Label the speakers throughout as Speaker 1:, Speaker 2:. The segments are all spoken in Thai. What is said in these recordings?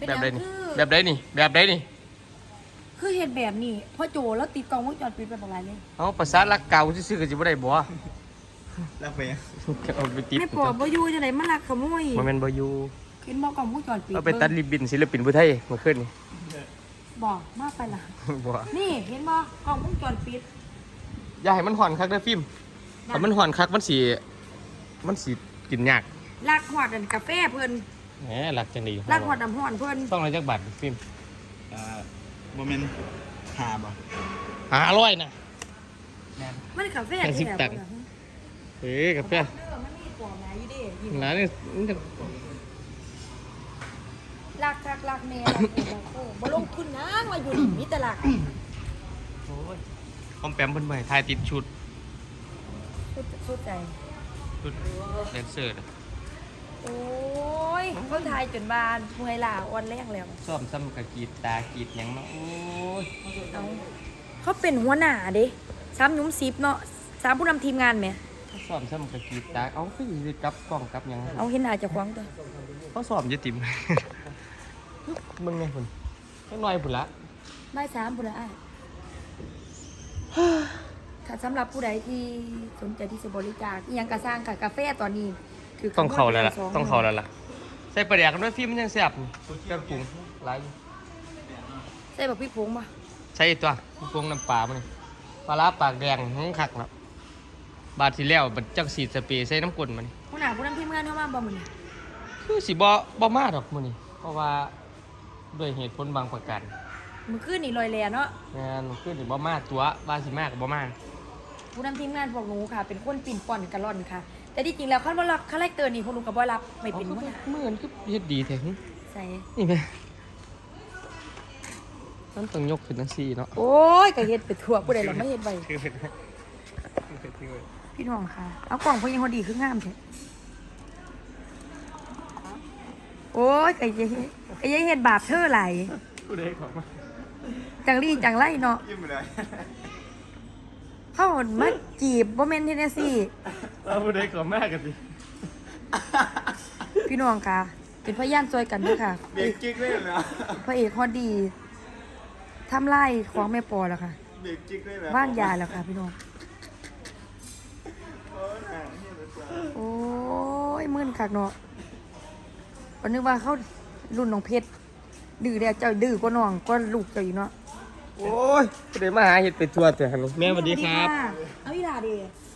Speaker 1: แบบใดนี่แบบใดนี่แบบใดนี่
Speaker 2: คือเห็นแบบนี้พ่อโจแล้วติดกล้องวงจรปิดไปบอกอะไรเลย
Speaker 1: เอาภาษาลักเก่าซื่อๆก็สิบ่ได้บ่
Speaker 3: รักไปยัง
Speaker 1: เอาไปติด
Speaker 2: ไม่ปอบบ่อยู่จะไหนมาลักขโมย
Speaker 1: บ่แม่นบ่อยู่
Speaker 2: เห็นบอกกล้องวงจรปิด
Speaker 1: เอาไปตัดริบบิ้นศิลปินผู้ไทยเมื่อคืนนี่
Speaker 2: บอกมากไปล่ะ
Speaker 1: บ่
Speaker 2: นี่เห็นบอกกล้องวงจรปิด
Speaker 1: อย่าให้มันห่อนคักเด้อฟิล์มถ้ามันห่อนคักมันสิกินยาก
Speaker 2: ลักหอดอันกาแฟเพิ่น
Speaker 1: แหมหลักจังดี
Speaker 2: ลักหอดน้ำห้อนเพิ่น
Speaker 1: ต้องอะไรจักบาทฟิล์ม
Speaker 3: โมเมนต์หาบ่
Speaker 1: 500นะ
Speaker 2: มันกาแฟ
Speaker 1: แค่10ตังค์ เอ้กาแฟ
Speaker 2: มันมีปอบหลายอยู่เด้
Speaker 1: ร้านนี้มันจะ
Speaker 2: ลักคักลักแม่ลักโอ้บ่ลงทุนนะมาอยู่นี่มีแต่ลัก
Speaker 1: โอ้ยคอมแปมเพิ่นบ่ให้ถ่ายติดชุด
Speaker 2: สุดใจ
Speaker 1: ชุดแดนเซอร์น่ะ
Speaker 2: โอ้ยเขาทายจนบานเมื่อยล้าอ่อนแรงแล้ว
Speaker 1: ซ้อมซ้ำกับกรีดตากรีดหยังเนาะโอ้ย
Speaker 2: เอาเขาเป็นหัวหน้าเด้ซ้ำหนุ่มซิปเนาะซ้ำผู้นำทีมงานไหม
Speaker 1: ซ้อมซ้ำกับกรีดตากเอาคือสิกลับกล้องกลับหยัง
Speaker 2: เอาเห็นหน้าเจะคว้าของตัว
Speaker 1: เขาซ้อมอยู่ติ่ม มึงไงพุ่นจักหน่อยพุ่นละ
Speaker 2: บ่ายสามพุ่นละอ้าย ค่ะสำหรับผู้ใดที่สนใจที่จะบริจาคอิหยังกระสร้างกับกาแฟตอนนี้ถื
Speaker 1: ต้องเข้าแล้วล่ะ
Speaker 2: ส
Speaker 1: ต้องเข้าแล้วล่ะใส่ปลาแดกกันด้วยฟิล์มมันยังแซ่บเครื่องปรุงหลายอยู่
Speaker 2: ใส่แบบพริกผงป่ะ
Speaker 1: ใส่ตัวปรุงน้ำปลามันนี่ปลาร้าปากแดงหังคักแล้วบาดที่แล้วบัดจักสีดสเปรย์ใส่น้ำกลนมันนี่
Speaker 2: ผู้หน้าผู้นำทีมงานเข้ามาบ่มื้อนี้
Speaker 1: คือสิบ่มาดอกมื้อนี้เพราะว่าด้วยเหตุผลบางประการ
Speaker 2: มื้อคืนนี่ลอยแลเนาะ
Speaker 1: งานคือสิบ่มาตัวว่าสิมาก็บ่มา
Speaker 2: ผู้นำทีมงานพวกหนูค่ะ เป็นคนปิ่นป่อนกะล่อนค่ะ แต่ที่จริงแล้วคันบ่รับคาแรคเตอร์นี่พวกหนูก็บ่รับไม่เป็นหัวหน้า
Speaker 1: มื้อนั้นคือเฮ็ดดีแท้หึ
Speaker 2: ใส่
Speaker 1: นี่แม่มันต้องยกขึ้นจังซี่เนาะ
Speaker 2: โอ้ยก็เฮ็ดไปทั่วผู้ใดล่ะมาเฮ็ดไว้
Speaker 1: คือเป็น
Speaker 2: พี่น้องค่ะ เอากล่องพวกยังพอดีคืองามแท้โอ้ยก็ยังเฮ็ดบาปเธอหลาย
Speaker 1: ผู้ใดขอมา
Speaker 2: จังลี่จังไรเนาะ
Speaker 3: ยิ้มไปเลย
Speaker 2: เข้ามาจีบบ่แม่นเทนเนสซี่
Speaker 1: เอาผู้ใดขอมากันสิ
Speaker 2: พี่น้องค่ะ เป็นพยานซอยกันด้วยค่ะ
Speaker 3: เบรกจิ๊กเลยเหรอ
Speaker 2: พระเอกฮอดดีทำไล่ของแม่ปอแล้วค่ะ
Speaker 3: เบรกจิ๊กเลยเหรอ
Speaker 2: ว่างยาแล้วค่ะพี่น้อง
Speaker 3: โอ้ยหาเนี่ยนะจ๊ะ
Speaker 2: โอ้ยมึนคักเนาะก็นึกว่าเขารุ่นน้องเพชรดื้อแล้วเจ้าดื้อกว่าน้องก็ลูกเจ้าอยู่เนาะ
Speaker 1: โอ้ยผู้ใดมาหาเห็ดไปทั่วแต่ฮันนี่แม่สวัสดีครับ
Speaker 2: เอาอีหลาดิ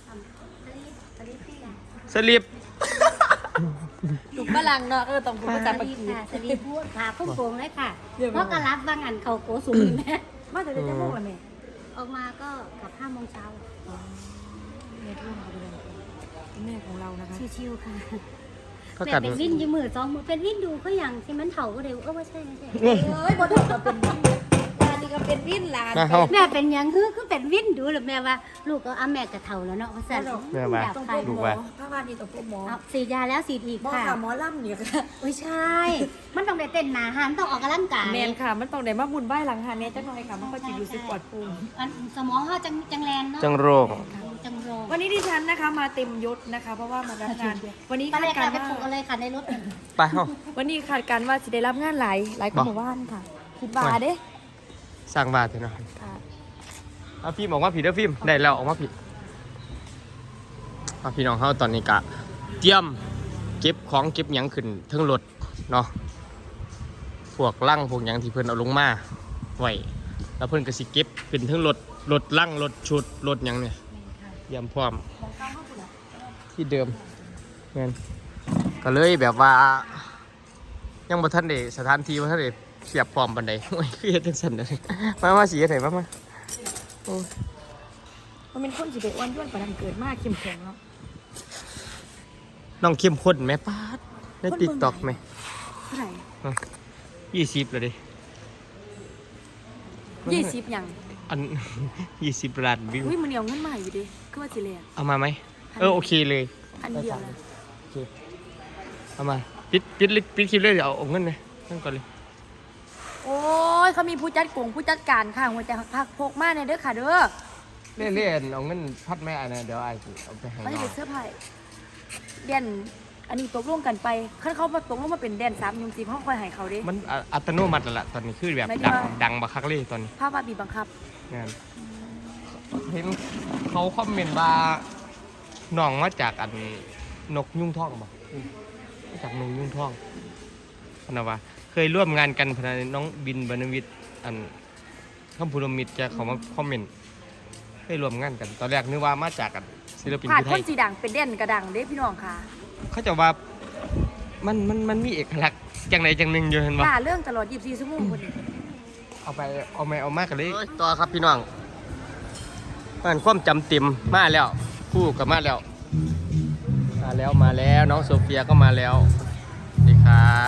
Speaker 1: สลิป
Speaker 2: ลูกฝรั่งเนาะต้องพูดภาษา
Speaker 4: ส
Speaker 2: ปา
Speaker 4: วัส
Speaker 2: กี
Speaker 4: ดีค่ะสวัสดีพูดค่ะพุ่งโป่งเลยค่ะ
Speaker 2: เดี๋ยว
Speaker 4: เพราะกระรับบางอันเขาโกสูงแม่
Speaker 2: มาแต่เดี๋ยวจะพูดละแม่
Speaker 4: ออกมาก็กลับ5 โมงเช้า
Speaker 2: แม่ทุ่มเขาไปเลยแม่ของเรานะคะ
Speaker 4: ชิวๆค่ะ
Speaker 1: เท่า
Speaker 4: แม่
Speaker 1: กัน
Speaker 4: เป็นวินอยู่มือ2 มือเป็นวินดูเขาอย่างที่มันเถาก็เร็วไม่ใช่ไม่ใช่
Speaker 2: เอ้ยบ่ถูกก็เป็นวินลานนี่ก็เป็นวินลาน
Speaker 1: มาเฮา
Speaker 4: แม่เป็นหยังคือเป็นวินดูหรือแม่ว่า ลูกก็แม่กระเถาแล้วเนาะว่าสั่น
Speaker 1: แม่ว่า
Speaker 4: อยาก
Speaker 2: ต้อง
Speaker 4: ไป
Speaker 2: พบ
Speaker 1: ลู
Speaker 2: ห
Speaker 1: ก
Speaker 2: มอ
Speaker 1: ว่า
Speaker 2: ถ้าว่านี่ต้องพบหมอ
Speaker 4: เอาฉีดยาแล้วฉีดอีก
Speaker 2: หมอ
Speaker 4: ค่ะ
Speaker 2: ค่ะหมอล่ำเนี่ยค่ะ
Speaker 4: ไม่ใช่ มันต้องได้เต้นหนาหันต้องออกกำลังกาย
Speaker 2: แมนค่ะ มันต้องได้มาบุญไหว้หลังหาเนี่ยจังหน่อยค่ะ มันก็จะอยู่สึกปลอดภูมิ
Speaker 4: อันสมองเขาจังแลนเนาะ
Speaker 1: จังโรค
Speaker 4: จังโรง
Speaker 2: วันนี้ดิฉันนะคะมาเต็มยศนะคะ เพราะว่ามารับงาน วันนี้
Speaker 4: ไป
Speaker 2: คา
Speaker 4: เล
Speaker 2: ด
Speaker 4: ย
Speaker 2: กา
Speaker 4: ค่ะ
Speaker 2: ร
Speaker 4: ไป
Speaker 2: ว่า
Speaker 4: ปลูกอะไรค่ะในรถ
Speaker 1: ไปเฮา
Speaker 2: วันนี้คาดการว่าจะได้รับงานหลายคนหมู่บ้านค่ะ คิดว่าเด้
Speaker 1: สร้างบาทเถอะเนาะ
Speaker 2: ค่ะ
Speaker 1: เอาฟิล์มออกมาผิดเด้อฟิล์มได้แล้วออกมาผิดเอาพี่น้องเฮาตอนนี้กะเตรียมเก็บของเก็บหยังขึ้นเทั้งรถเนาะพวกลังพวกหยังที่เพิ่นเอาลงมาไว้แล้วเพิ่นก็สิเก็บขึ้นเทั้งรถลังรถชุดรถหยังเนี่ยเตรียมพร้อมที่เดิมแม่นก็เลยแบบว่า ยังบ่ทันได้สถานที่บ่ทันได้เสียบพร้อมปานใด โอ้ยคือเฮ็ดจังซั่นเด้อมาสิเฮ็ดให้มาโอ้ย
Speaker 2: มันเป็นคนสิไปอ้วนย้วนประดังเกิดมากเข้มแข็งเนาะ
Speaker 1: น้องเข้มข้นแม่ปาดใน TikTok แม่
Speaker 2: เท่าไหร่
Speaker 1: 20แล้วเด้
Speaker 2: 20อย่าง
Speaker 1: อัน 20 ล้านวิว
Speaker 2: อุ้ยมันเอาเงินมาอยู่ดิคือว่าสิแลก
Speaker 1: เอามาไหมโอเคเลย
Speaker 2: อันเดียวนะ
Speaker 1: โอเคเอามาปิดคลิปเลยเดี๋ยวเอาเงินเลยนั่นก่อนเลย
Speaker 2: โอ้ยเขามีผู้จัดกงผู้จัดการค่ะหัวใจพักพกมาเนี่ยเด้อค่ะเด้อ
Speaker 1: เล่นเอาเงินพัดแม่อันนั้นเดี๋ยวไอ้สิเอาไปให้
Speaker 2: เขาจะ
Speaker 1: น้อ
Speaker 2: เป็
Speaker 1: ง
Speaker 2: นเสื้อผ้าเรียนอันนี้ตกลงกันไปคันเขามาตกลงมาเป็นแดน3ยุง10เฮาค่อยให้เขาเด้
Speaker 1: มันอัตโนมัติแล้วล่ะตอนนี้คือแบบ
Speaker 2: หมายถึง
Speaker 1: ดัง
Speaker 2: ว่า
Speaker 1: ดังบักคักเลยตอนนี้
Speaker 2: ภาพว่าบีบบังคับ
Speaker 1: งานเห็นเขาคอมเมนต์ว่าน้องมาจากอันนกยุ่งท่องบ่มาจากนกยุ่งท่องพนะว่าเคยร่วมงานกันพนะน้องบินบรรณวิทย์อันคำพูดมิตรจะเขามาคอมเมนต์เคยร่วมงานกัน ตอนแรกนึกว่ามาจากกันศิลปิน
Speaker 2: ผ่าน
Speaker 1: ที่ไท
Speaker 2: คน
Speaker 1: ย
Speaker 2: สีดังเป็นแดนกระดังเด้พี่น้องค่ะ
Speaker 1: เขาจะว่ามันมีเอกลักษณ์จังไหนจังหนึ่งอยู่เห็นบ่
Speaker 2: ด่าเรื่องตลอด24ชั่วโมงคนนี้
Speaker 1: เอามากกันเลยต่อครับพี่น้องมันความจำเต็มมาแล้วคู่กับมาแล้วน้องโซเฟียก็มาแล้วสวัสดีครับ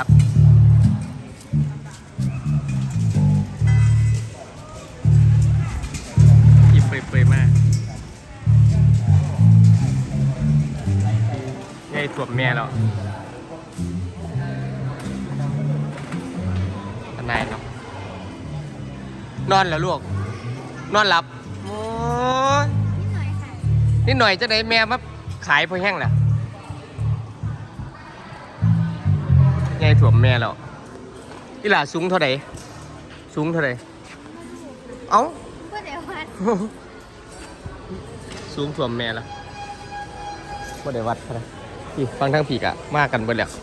Speaker 1: ที่เปรย์มากยายถ่วมแม่แล้วทนายเนาะนอนแล้วลูกนอนหลับโอ้ยนิดหน่อยจะได้แม่มาขายพอแห้งแหละยายถ่วมแม่แล้วอีหล่าสูงเท่าไหร่เอ้า
Speaker 4: บ่ได้วัด
Speaker 1: สูงถ่วมแม่แล้วบ่ได้วัดนะพี่ฟังทั้งผีกะมากันเบิดแล้ว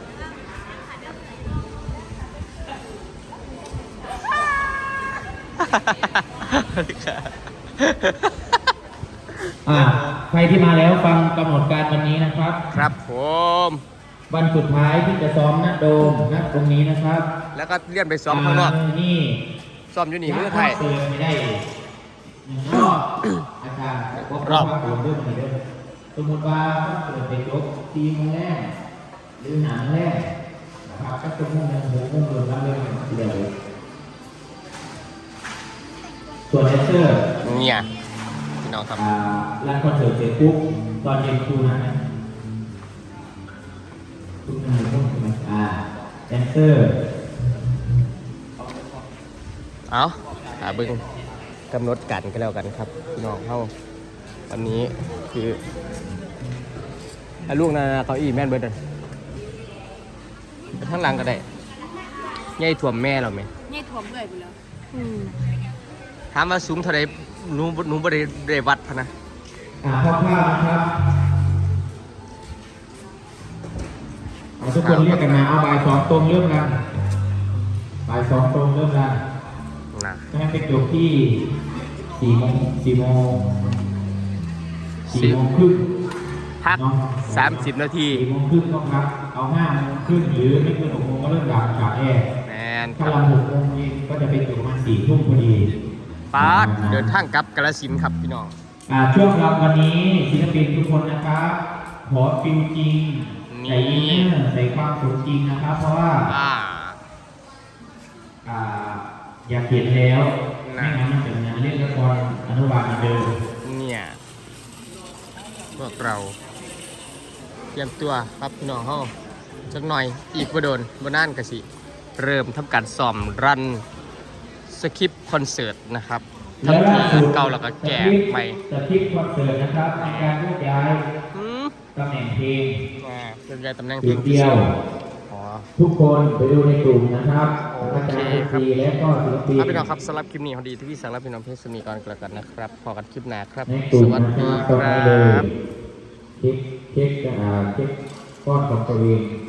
Speaker 5: ใครที่มาแล้วฟังกำหนดการวันนี้นะครับ
Speaker 1: ครับผม
Speaker 5: วันสุดท้ายที่จะซ้อมณโดมณตรงนี้นะครับ
Speaker 1: แล้วก็เลื่อนไปซ้อมข้างนอก
Speaker 5: นี่
Speaker 1: ซ้อมอยู่นี่เมื่อไทย
Speaker 5: เตือนไม่ได้รอบอาจารย์รอบเรื่องอะไรเรื่องสมมติว่าเปิดไปยกทีมแรกหรือหนังแรกนะครับก็จะมุ่งในหัวมุ่งโดนรับเรื่องเดียวส่วนแดนเซอร์
Speaker 1: เนี่ยพี่น้องครับ
Speaker 5: ร้านคอนเสิร์ตเสร็จปุ๊บตอนเย็นครูนะทุกท่านรู้ใช่ไหมแดนเซอร์
Speaker 1: เอาเบิ่งกำหนดกันก็แล้วกันครับพี่น้องเข้าวันนี้คือลูกนาเก้าอี้แม่นเบิร์ดไปข้างหลังก็ได้ยายถ่วมแม่เราไหม
Speaker 2: นี่ถ่วมเมื่อยไปแล้ว
Speaker 1: ถามว่าสูงเท่าไรหนูบ่ได้วัดพะนะ
Speaker 5: คร่าวๆนะครับทุกคนเรียกกันมาเอาบ่ายสองตรงเริ่มกันบ่ายสองตรงเริ่มกัน
Speaker 1: นะ
Speaker 5: ให้ไปจบที่4 โมงครึ่ง
Speaker 1: พัก30 นาที
Speaker 5: 4 โมงครึ่งก็ครับเอา5 โมงครึ่งหรือไม่เกิน6 โมงก็เริ่มดับกาแอร์
Speaker 1: แมนค
Speaker 5: ถ้า
Speaker 1: รับ
Speaker 5: เรา6 โมงเองก็จะไปจบมา4 ทุ่มพอดี
Speaker 1: ปาดเดินทางกลับกาฬสินธุ์ครับพี่น้อง
Speaker 5: ช่วงรับวันนี้ศิลปินทุกคนนะครับขอฟิลจริงใส่อินเนอร์ใส่ความสมจริงนะครับ เพราะว่าอยากเห็นแล้วไม่งั้นมันเป็นงานเล่นละครอนุบาลเหมือนเดิม
Speaker 1: เนี่ยพวกเราเตรียมตัวครับพี่น้องเฮาจักหน่อยอีกบ่โดนบ่นานก็สิเริ่มทำการซ้อมรันสคริปต์คอนเสิร์ตนะครับทั้งที่เก่าแล้วก็แก่ใหม่
Speaker 5: สคริปต์คอนเสิร์ตนะครับในการโยกย้ายตำแหน่งเพลง
Speaker 1: เรื่องใหญ่ตำแหน่งเพล
Speaker 5: จุ
Speaker 1: ง
Speaker 5: ด
Speaker 1: ที่
Speaker 5: เดียว
Speaker 1: อ๋อ
Speaker 5: ทุกคนไปดูในกลุ่มนะครับ
Speaker 1: โอ
Speaker 5: อา
Speaker 1: เค
Speaker 5: จารย์
Speaker 1: ครับ
Speaker 5: ดีและก็ศิลปิน
Speaker 1: ครับพี่น้องครับสำหรับคลิปนี้พอดีที่พี่สั่งรับพี่น้องเพชรสมีก่อนกันแล้วกันนะครับพอกันคลิปหน้าครับ
Speaker 5: ในกลุ่
Speaker 1: ส
Speaker 5: ม
Speaker 1: วัส
Speaker 5: นะค
Speaker 1: ดี
Speaker 5: รับ
Speaker 1: ค
Speaker 5: ตรง
Speaker 1: รั
Speaker 5: นี้เลย
Speaker 1: บ
Speaker 5: เช็คก้อนของตัวเอง